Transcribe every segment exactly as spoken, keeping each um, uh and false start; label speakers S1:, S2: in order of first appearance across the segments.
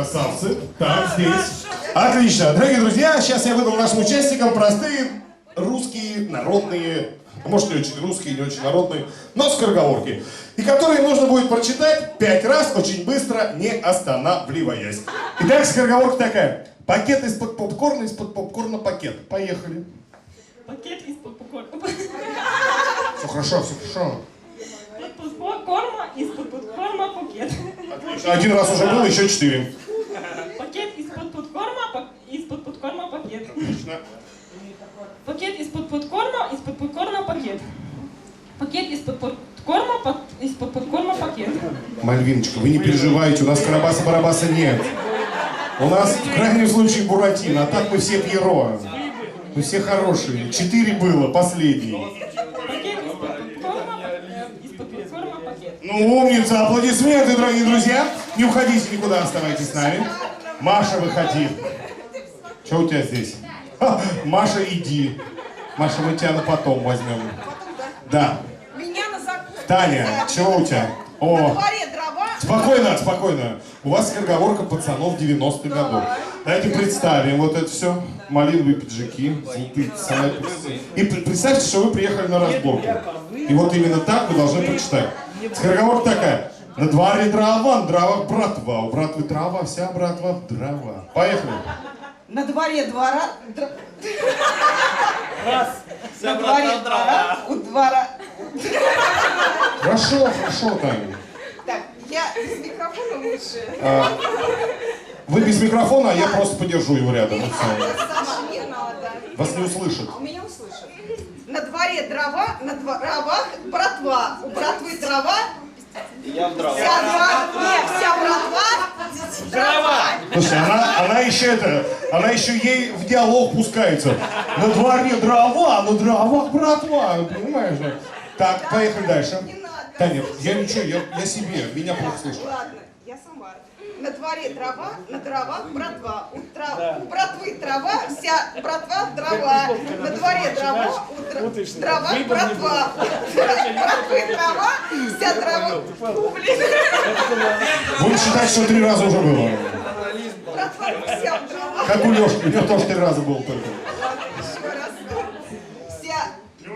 S1: Красавцы. Так, здесь. Отлично. Дорогие друзья, сейчас я выдам нашим участникам простые русские, народные, может не очень русские, не очень народные, но скороговорки. И которые нужно будет прочитать пять раз, очень быстро, не останавливаясь. Итак, скороговорка такая. Пакет из-под попкорна, из-под попкорна пакет. Поехали.
S2: Пакет из-под попкорна.
S1: Все хорошо, все хорошо.
S2: Из-под попкорна, из-под попкорна пакет.
S1: Отлично. Один раз уже был, еще четыре.
S2: Пакет из-под попкорна, из-под попкорна пакет.
S1: Отлично.
S2: Пакет из-под попкорна, из-под попкорна пакет. Пакет из-под попкорна, из-под попкорна пакет.
S1: Мальвиночка, вы не переживайте, у нас Карабаса-Барабаса нет. У нас в крайнем случае Буратино, а так мы все Пьеро. Мы все хорошие. Четыре было, последний.
S2: Пакет из-под попкорна, из-под попкорна пакет.
S1: Ну, умница, аплодисменты, дорогие друзья. Не уходите никуда, оставайтесь с нами. Маша, выходи. Что у тебя здесь? Ха, Маша, иди. Маша, мы тебя на потом возьмем. Да.
S3: Меня на закуску.
S1: Таня, чего у тебя? О.
S3: На дворе дрова.
S1: Спокойно, спокойно. У вас скороговорка пацанов девяностых годов. Давайте представим вот это все. Малиновые пиджаки, золотые цапы. И представьте, что вы приехали на разборку. И вот именно так вы должны прочитать. Скороговорка такая. На дворе дрова, на дровах братва. У братвы трава, вся братва в дрова. Поехали.
S3: На дворе двора. др-
S4: Раз.
S3: На дворе двора. У двора.
S1: Хорошо, хорошо, Таня.
S3: Так, я без микрофона лучше.
S1: А, вы без микрофона, а я просто подержу его рядом. И все.
S3: Сама не надо.
S1: Вас не услышат.
S3: У меня услышат. На дворе дрова, на дровах братва. У братвы трава.
S4: Я в дрова.
S3: Вся дрова. Нет, вся братва. Дрова.
S1: Слушай, она, она еще это, она еще ей в диалог пускается. На дворе дрова, на дровах братва, понимаешь? Да? Так, поехали дальше.
S3: Не надо.
S1: Таня, я ничего, я, я себе, меня плохо слышно.
S3: Ладно, я сама. На дворе трава, на дровах братва. У, трав... у братвы трава, вся братва дрова. На дворе дрова, у др... дровах братва. У братвы трава, вся дрова. Фу, блин.
S1: Будем считать, что три раза уже было.
S3: Братва вся в дровах.
S1: Как у Лешки, у него тоже три раза было только.
S3: Еще раз. Вся.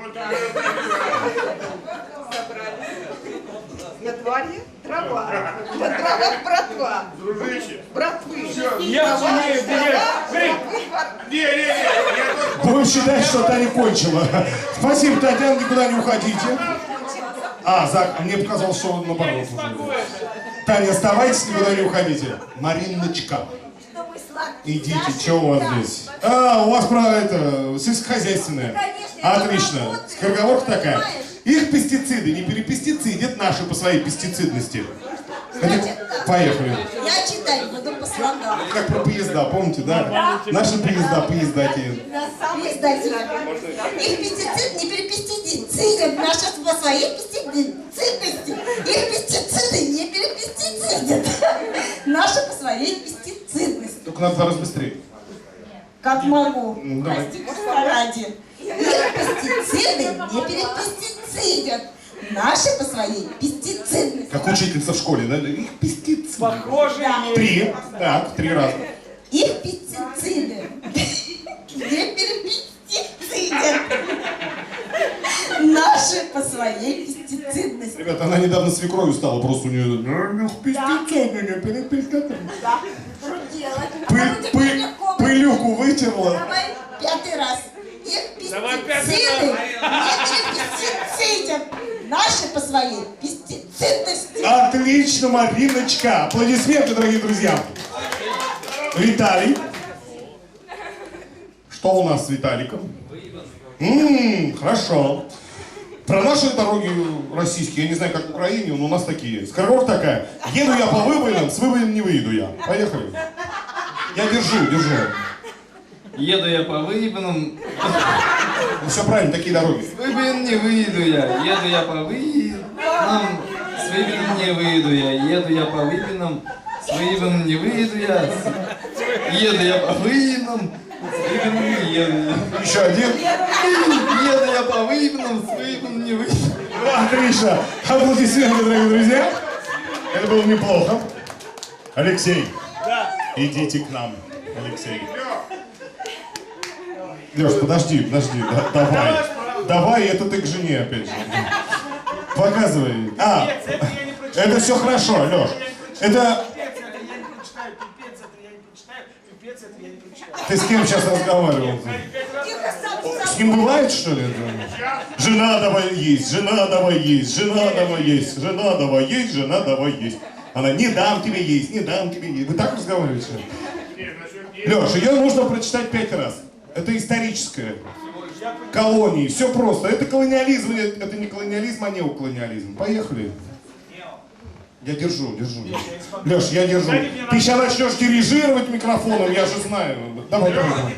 S3: На дворе трава, на дровах братва.
S5: Дружище.
S3: Братвы.
S4: Я сумею,
S1: Будем считать, что Таня кончила. Спасибо, Татьяна, никуда не уходите. А, Зак, мне показалось, что он наоборот. Таня, оставайтесь, никуда не уходите. Мариночка. Идите, что у вас здесь? А, у вас про это, сельскохозяйственное. Отлично. Скороговорка такая. Их пестициды не перепестицидят наши по своей пестицидности. Хотите? Поехали.
S6: Я читаю, буду по слогам.
S1: Как про поезда, помните, да? Наши поезда, поездатели.
S6: Их пестицид не перепестицидят, наши по своей пестицидности. Их пестициды не перепестицидят, наши по своей пестицидности.
S1: Только надо раз быстрее.
S6: Как могу,
S1: Ну, давай.
S6: прости, Бога ради. Их пестициды не перепестицидят, наши по своей пестицидности.
S1: Как учительница в школе, да? Их пестициды.
S4: Похоже,
S1: Три. Так, три раза.
S6: Их пестициды не перепестицидят, наши по своей пестицидности.
S1: Ребята, она недавно свекровью стала, просто у нее... Их пестициды не перепестицидят.
S6: Да, что делать?
S1: Пыль- пыль- Пылюку вытерла.
S6: Давай пятый раз. Их
S4: Давай
S6: пестициды
S4: пятый
S6: не перепестицидят, наши по своей пестицидности.
S1: Отлично, Мариночка. Аплодисменты, дорогие друзья. Виталий. Что у нас с Виталиком? Ммм, хорошо. Про наши дороги российские, я не знаю, как в Украине, но у нас такие. Скороговорка такая. Еду я по выбоинам, с выбоин не выйду я. Поехали. Я держу, держу.
S7: Еду я по выебанам,
S1: Ну, все правильно, такие дороги.
S7: с выбоин не выйду я. Еду я по выебанам, с выбоин не выйду я. Еду я по выебанам, с выебаном не выйду я. Еду я по выебанам, с выебаном не еду я.
S1: Еще один.
S7: Еду я по выебанам, с выебаном не выйду.
S1: Отлично. Аплодисменты, дорогие друзья. Это было неплохо. Алексей.
S4: Да.
S1: Идите к нам, Алексей. Леш, подожди, подожди, да- давай. Давай, это ты к жене опять же. Показывай. А,
S4: Это я не прочитаю.
S1: это все хорошо, Леш. Это
S4: Пипец, это я не прочитаю. Пипец, это я не прочитаю. Пипец, это я не прочитаю.
S1: ты с кем сейчас разговаривал?
S3: Тихо, сам,
S1: С
S3: сам.
S1: ним бывает, что ли? это? Жена давай есть, жена давай есть, жена давай есть, жена давай есть, жена давай есть. Она, не дам тебе есть, не дам тебе есть. Вы так разговариваете? Леша, ее нужно прочитать пять раз. Это историческое. Колонии, все просто. Это колониализм, или это не колониализм, а неоколониализм. Поехали. Я держу, держу. Леш, я держу. Ты сейчас начнешь дирижировать микрофоном, я же знаю. Давай, давай, давай.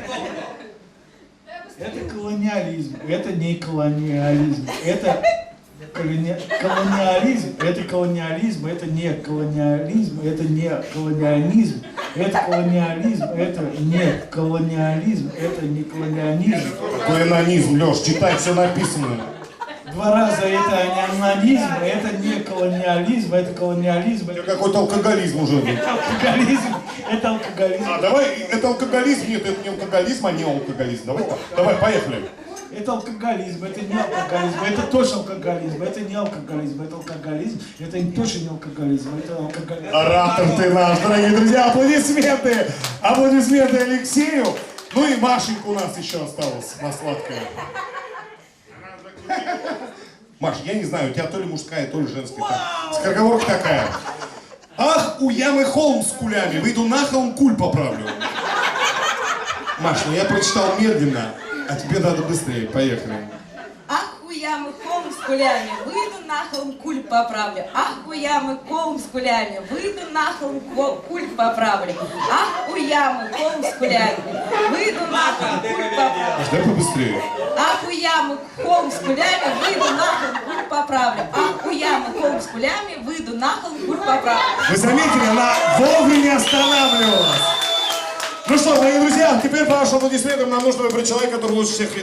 S5: Это колониализм, это не колониализм, это колони- колониализм, это колониализм, это не колониализм, это не колониализм, это колониализм, это не колониализм, это не колониализм.
S1: Колониализм, Леш, читай, все написано.
S5: Два раза это не анонизм, это не колониализм, это колониализм,
S1: У тебя
S5: это
S1: какой-то алкоголизм уже.
S5: алкоголизм, это алкоголизм.
S1: А, давай, это алкоголизм, нет, это не алкоголизм, а не алкоголизм. Давай так, давай, поехали.
S5: Это алкоголизм, это не алкоголизм, это точно алкоголизм, это не алкоголизм, это алкоголизм, это точно не алкоголизм, это алкоголизм.
S1: Оратор ты наш, дорогие друзья, аплодисменты, аплодисменты Алексею. Ну и Машенька у нас еще осталась на сладкое. Маш, я не знаю, у тебя то ли мужская, то ли женская. Так, скороговорка такая. Ах, у ямы холм с кулями, выйду на холм, куль поправлю. Маш, ну я прочитал медленно, а тебе надо быстрее, поехали.
S6: Ах, у ямы холм с кулями, выйду на холм, куль поправлю. Ах, у ямы холм с кулями, выйду на холм, ко- куль поправлю. Ах, у ямы холм с кулями, выйду на холм, куль поправлю.
S1: Маш, дай побыстрее.
S6: Ах, у ямы холм с кулями, выйду на холм, куль поправлю. Ах, у ямы холм с кулями, выйду на холм, куль поправлю.
S1: Вы заметили, она вовремя останавливалась. Ну что, мои друзья, теперь по вашим аплодисментам нам нужно выбрать человека, который лучше всех